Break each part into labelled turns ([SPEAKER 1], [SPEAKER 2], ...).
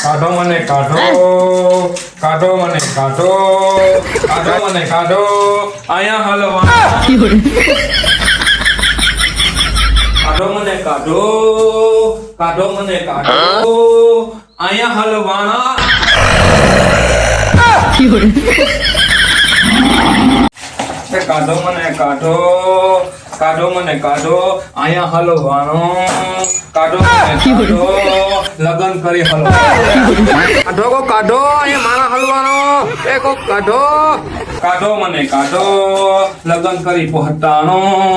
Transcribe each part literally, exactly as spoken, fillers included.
[SPEAKER 1] કાઢો મને કાઢો કાઢો મને કાઢો કાઢો મને કાઢો અહીંયા હલવા કાઢો મને કાઢો કાઢો મને કાઢો અહીંયા હલવાણા કાઢો મને કાઢો કાઢો મને કાઢો અહીંયા હલવાનો કાઢો મને કાઢો લગન કરી હલવાનો કાઢો કો કાઢો અહીંયા મારા હલવાનો એ કો કાઢો કાઢો મને કાઢો લગન કરી પહોંચાણો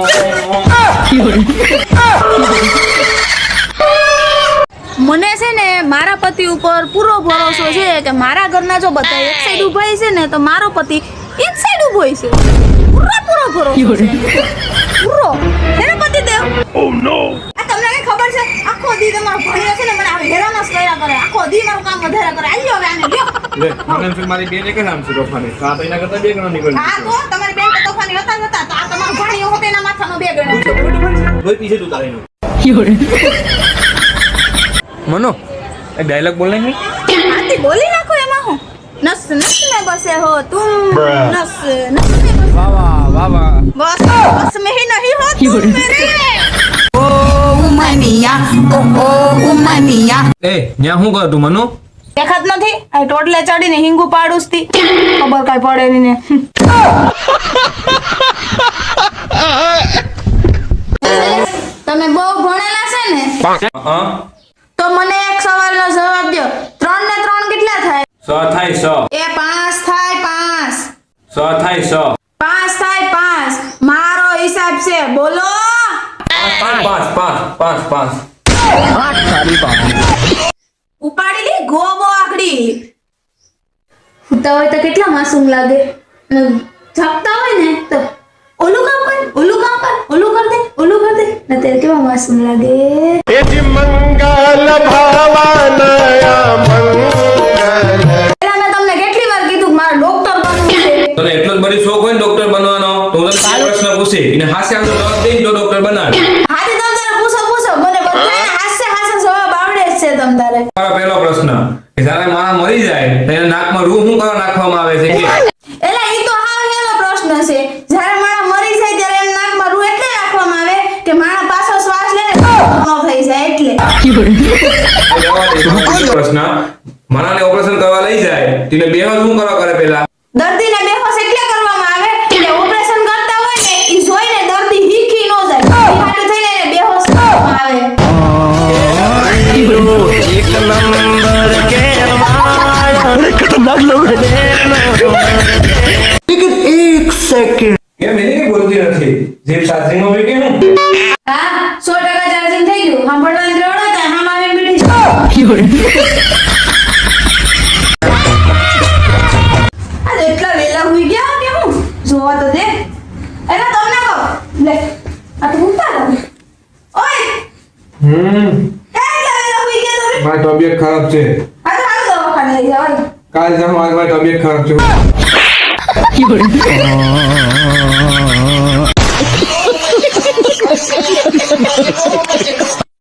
[SPEAKER 2] મને છે ને મારા પતિ ઉપર પૂરો ભરોસો છે કે મારા ઘરના જો બધા એક સાઈડ ઊભા છે ને તો મારો પતિ એક સાઈડ ઊભો છે. પૂરો પૂરો ભરોસો છે. પૂરો એનો પતિ દેવ. ઓ નો. આ તમને કઈ ખબર છે આખો દી તમારો ભણ્યો છે ને મને આ હેરાન જ કર્યા કરે. આખો દી મારું કામ વધારે કરે. આલ્યો હવે આને લ્યો.
[SPEAKER 1] લે મને છે મારી બેન એક નામ છે તોફાની. આ તો એના કરતા બે ગણો નીકળી.
[SPEAKER 2] હા તો તમારી બેન તો તોફાની હતા જ હતા. તો આ તમારો ભણ્યો હતો એના માથાનો બે ગણો છે.
[SPEAKER 1] કોઈ પીછે તું તારીનો. મનો એક ડાયલોગ બોલને નહીં.
[SPEAKER 2] આતી બોલી નાખો એમાં હું. नस नस में बसे हो तुम नस नस में बसे
[SPEAKER 1] वाह वाह वाह वाह
[SPEAKER 2] बस बस में ही नहीं हो तुम मेरे
[SPEAKER 3] ओ उमनिया ओ ओ उमनिया
[SPEAKER 1] ए ન્યા હું કર તું મનો
[SPEAKER 2] દેખાત નથી આ ટોટલે ચડીને હિંગુ પાડુસતી ખબર કાઈ પડે ની ને તમે બહુ ભણેલા છે ને
[SPEAKER 1] હા
[SPEAKER 2] તો મને એક સવાલનો જવાબ દો ત્રણ ને ત્રણ કેટલા થાય
[SPEAKER 1] સ થાય સ
[SPEAKER 2] એ પાંચ થાય પાંચ
[SPEAKER 1] સ થાય સ
[SPEAKER 2] પાંચ થાય પાંચ મારો હિસાબ છે બોલો
[SPEAKER 1] પાંચ પાંચ પાંચ પાંચ પાંચ
[SPEAKER 2] ઉપાડી લી ગોબો આકડી ઉતા હોય તો કેટલા માસૂમ લાગે જાગતા હોય ને તો ઓલું કામ કર ઓલું કામ કર ઓલું કર દે ઓલું કર દે ને તે કેવા માસૂમ લાગે
[SPEAKER 4] એજી મંગલ ભવાનયા મંગલ
[SPEAKER 2] એલા મેં તમને કેટલી વાર કીધું કે મારે ડોક્ટર બનવું છે
[SPEAKER 1] તને એટલો જ બડી શોખ હોય ને ડોક્ટર બનવાનો તો હું તને પ્રશ્ન પૂછી અને હાસ્ય આમ જવાબ દે તો ડોક્ટર બનાવે
[SPEAKER 2] હાથી તમ તારે પૂછો પૂછો મને બધાને હાસ્ય હાસ્ય જવાબ આવડે જ છે તમ તારે
[SPEAKER 1] મારો પહેલો પ્રશ્ન કે જ્યારે માણસ મરી જાય તો એના નાકમાં રૂહ શું કરવા નાખવામાં આવે છે કે
[SPEAKER 2] એલા ઈ તો હાવ હેલો પ્રશ્ન છે જ્યારે માણસ મરી જાય ત્યારે એના નાકમાં રૂ એટલે રાખવામાં આવે કે માણસ પાછો શ્વાસ લે ને ન થઈ જાય એટલે
[SPEAKER 1] પ્રશ્ન મારાને ઓપરેશન કરવા લઈ જાય તેને બેહોશ શું કરવા કરે પહેલા
[SPEAKER 2] દર્દીને બેહોશ એટલે કરવામાં આવે કે ઓપરેશન કરતા હોય ને ઈ જોઈને દર્દી હીખી ન જાય હાટુ થઈને એને બેહોશ કરવામાં આવે
[SPEAKER 4] એક નંબર કે अरे खतरनाक लोग हैं लेकिन एक सेकंड
[SPEAKER 1] કે મેને કે બોલતી નથી જે ચાર્જિંગ માં કે હું
[SPEAKER 2] હા સો ટકા ચાર્જિંગ થઈ ગયું સાંભળવાની દ્રવડો છે હામ આવીને બેઠી છે આ એટલા વેલા હુઈ ગયા કે હું જોવા તો દે એના તમને કહો લે આ તો ઉતાર ઓય
[SPEAKER 1] હમ
[SPEAKER 2] એટલા વેલા હુઈ ગયા તમે
[SPEAKER 1] મારી તબિયત ખરાબ છે
[SPEAKER 2] આ તો હાલ દવાખાને લઈ જાવ
[SPEAKER 1] કાલ જામ મારી તબિયત ખરાબ છે